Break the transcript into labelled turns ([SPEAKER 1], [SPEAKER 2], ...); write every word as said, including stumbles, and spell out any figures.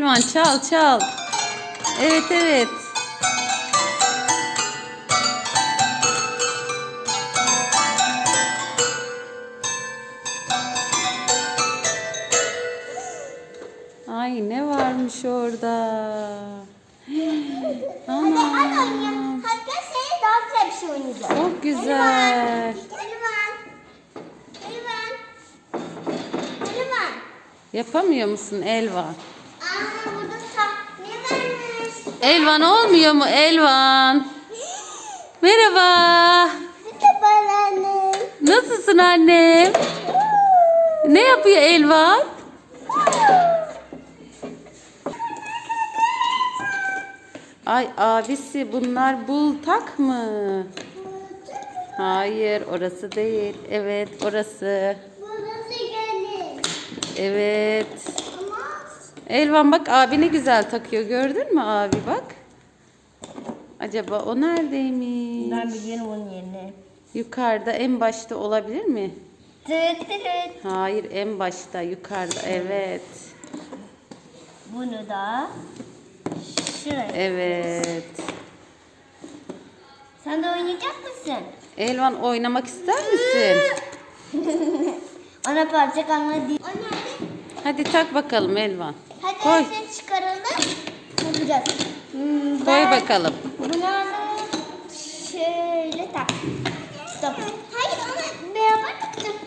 [SPEAKER 1] Elvan, çal çal. Evet evet. Ay ne varmış orada?
[SPEAKER 2] Hadi hadi
[SPEAKER 1] Ana.
[SPEAKER 2] oynayalım. Hadi gel seninle daha güzel bir şey oynayacağız.
[SPEAKER 1] Çok güzel.
[SPEAKER 2] Elvan. Elvan. Elvan.
[SPEAKER 1] Yapamıyor musun Elvan?
[SPEAKER 2] Aa burada sahne varmış.
[SPEAKER 1] Elvan olmuyor mu Elvan? Merhaba.
[SPEAKER 2] Merhaba anne.
[SPEAKER 1] Nasılsın annem? Ne yapıyor Elvan? Ay abisi bunlar bultak mı? Hayır orası değil. Evet orası.
[SPEAKER 2] Burası gelin.
[SPEAKER 1] Evet.
[SPEAKER 2] Ama
[SPEAKER 1] Elvan bak abi ne güzel takıyor gördün mü abi bak. Acaba o neredeymiş?
[SPEAKER 2] ben biliyorum onun yerini.
[SPEAKER 1] Yukarıda en başta olabilir mi?
[SPEAKER 2] Tıt tıt.
[SPEAKER 1] Hayır en başta yukarıda evet.
[SPEAKER 2] Bunu da şuraya.
[SPEAKER 1] Evet.
[SPEAKER 2] Sen de oynayacak mısın?
[SPEAKER 1] Elvan oynamak ister misin?
[SPEAKER 2] Ona parça kalmadı değil. O nerede?
[SPEAKER 1] Hadi tak bakalım Elvan.
[SPEAKER 2] Hadi
[SPEAKER 1] Koy.
[SPEAKER 2] ses çıkaralım. Yapacağız. Hmm,
[SPEAKER 1] Koy
[SPEAKER 2] ben
[SPEAKER 1] bakalım.
[SPEAKER 2] Bunu şöyle tak. Stop. Hayır onu beraber takacağız.